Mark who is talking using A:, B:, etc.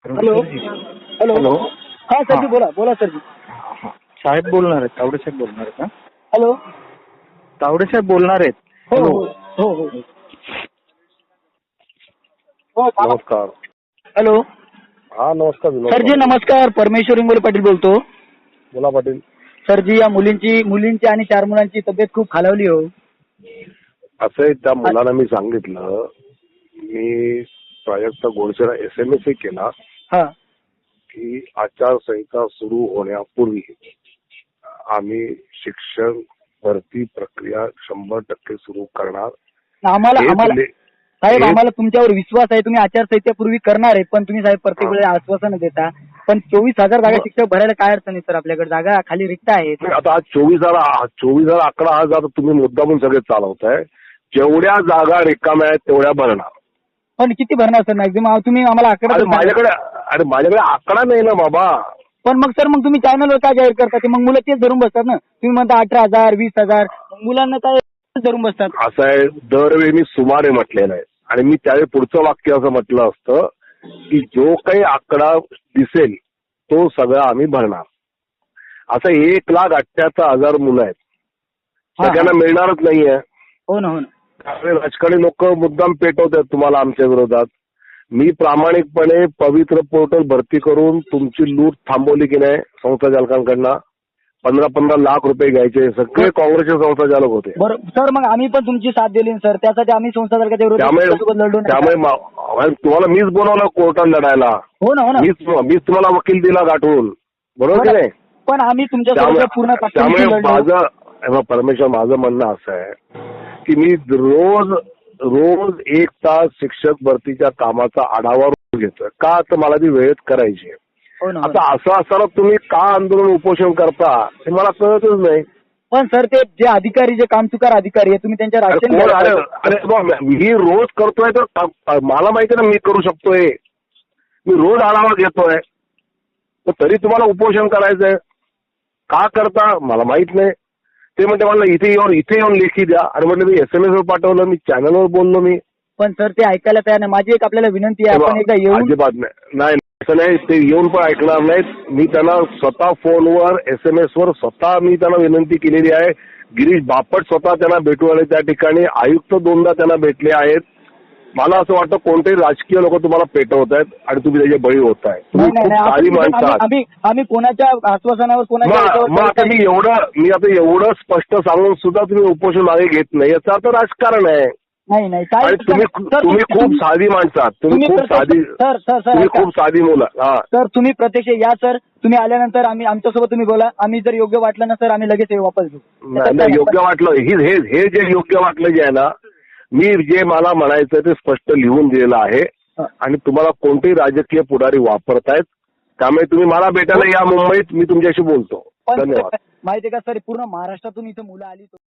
A: Hello hello
B: hello.
A: हा सरजी बोला बोला सरजी.
B: साहेब बोलणार आहेत, तावडे साहेब बोलणार आहेत का?
A: हॅलो.
B: तावडे साहेब बोलणार आहेत.
A: हो
B: हॅलो.
A: हो हो हो हो
B: नमस्कार.
A: हॅलो
B: हा नमस्कार विनोद
A: सरजी
B: पाटील.
A: नमस्कार. परमेश्वर इंगोले पाटील बोलतो.
B: बोला पाटील.
A: सरजी या मुलींची आणि 4 मुलांची तब्येत खूप खालावली हो.
B: असं आहे, त्या मुलांना मी सांगितलं, मी प्राजक्त गोडसेला SMS केला
A: हा
B: की आचारसंहिता सुरू होण्यापूर्वी आम्ही शिक्षण भरती प्रक्रिया 100% सुरू करणार.
A: आम्हाला
B: हेच
A: आम्हाला
B: ले-
A: साहेब
B: हेच-
A: आम्हाला तुमच्यावर विश्वास आहे. तुम्ही आचारसंहितेपूर्वी करणार आहे, पण तुम्ही साहेब प्रत्येक वेळेला आश्वासन देता. पण 24,000 जागा शिक्षक भरायला काय अडचण आहे सर? आपल्याकडे जागा खाली रिक्त आहेत.
B: आता आज 24,000 आकडा हा जर तुम्ही मुद्दामून सगळे चालवताय. जेवढ्या जागा रिकाम्या आहेत तेवढ्या भरणार.
A: पण किती भरणार सर मॅक्झिमम? तुम्ही आम्हाला आकडा तर सांगा.
B: माझ्याकडे आकडा नाही ना बाबा.
A: पण मग सर मग तुम्ही चॅनलवर काय जाहीर करता? ते मग मुलं तेच धरून बसतात ना. तुम्ही म्हणता 18,000 20,000 मुलांना काय धरून बसतात.
B: असं आहे, दरवेळी मी सुमारे म्हटलेलं आहे आणि मी त्यावेळी पुढचं वाक्य असं म्हटलं असतं की जो काही आकडा दिसेल तो सगळा आम्ही भरणार. असं 1,78,000 मुलं आहेत,
A: हा,
B: सगळ्यांना
A: हा.
B: मिळणारच नाहीये.
A: हो ना हो ना.
B: त्यामुळे राजकारणी लोक मुद्दाम पेटवत आहेत तुम्हाला आमच्या विरोधात. मी प्रामाणिकपणे पवित्र पोर्टल भरती करून तुमची लूट थांबवली की नाही संस्थाचालकांकडनं. 15-15 लाख रुपये घ्यायचे, सगळे काँग्रेसचे संस्थाचालक होते.
A: बरं सर, मग आम्ही पण तुमची साथ दिली सर. त्यासाठी आम्ही संस्थाचालकाच्या विरोधात लढलो.
B: त्यामुळे तुम्हाला मीच बोलवलं कोर्टात लढायला.
A: हो ना हो ना.
B: मीच तुम्हाला वकील दिला गाठवून, बरोबर की नाही?
A: पण आम्ही तुमच्या पूर्ण
B: त्यामुळे परमेश्वर माझं म्हणणं असं आहे की मी रोज 1 तास शिक्षक भरतीच्या कामाचा आढावा घेतोय. का तर मला ती वेळेत करायची आहे.
A: हो ना.
B: आता असं असताना तुम्ही का आंदोलन उपोषण करता हे मला कळतच नाही.
A: पण सर ते जे अधिकारी, जे कामचुकार अधिकारी आहे, तुम्ही त्यांच्या
B: अरे मी रोज करतोय तर मला माहिती ना मी करू शकतोय. मी रोज आढावा घेतोय, तरी तुम्हाला उपोषण करायचंय. का करता मला माहित नाही. ते म्हणते मला इथे येऊन लेखी द्या. आणि म्हटलं मी SMS वर पाठवलं, मी चॅनलवर बोललो मी.
A: पण सर ते ऐकायला तयार नाही. माझी एक आपल्याला विनंती आहे, आपण एकदा येऊन.
B: अजिबात नाही असं नाही, ते येऊन पण ऐकणार नाहीत. मी त्यांना स्वतः फोनवर SMS वर स्वतः मी त्यांना विनंती केलेली आहे. गिरीश बापट स्वतः त्यांना भेटून आले त्या ठिकाणी. आयुक्त 2दा त्यांना भेटले आहेत. मला असं वाटतं कोणतेही राजकीय लोक तुम्हाला पेटवत आहेत आणि तुम्ही त्याचे बळी होताय. तुम्ही खूप साधी माणसं आहात.
A: आम्ही कोणाच्या आश्वासनावर
B: मग आता मी आता एवढं स्पष्ट सांगून सुद्धा तुम्ही उपोषण मागे घेत नाही, याचा अर्थ राजकारण आहे.
A: नाही
B: आणि तुम्ही खूप साधी माणसं आहात. तुम्ही खूप साधी मुलं.
A: सर तुम्ही प्रत्यक्ष या सर. तुम्ही आल्यानंतर आमच्यासोबत तुम्ही बोला. आम्ही जर योग्य वाटलं ना सर, आम्ही लगेच वापस घेऊ.
B: नाही योग्य वाटलं हे जे योग्य वाटलं जे आहे ना, मी जे मला म्हणायचं ते स्पष्ट लिहून दिलेलं आहे. आणि तुम्हाला कोणतेही राजकीय पुढारी वापरतायत, त्यामुळे तुम्ही मला भेटायला या मुंबईत, मी तुमच्याशी बोलतो. धन्यवाद.
A: माहिती आहे का सर, पूर्ण महाराष्ट्रातून इथे मुलं आली.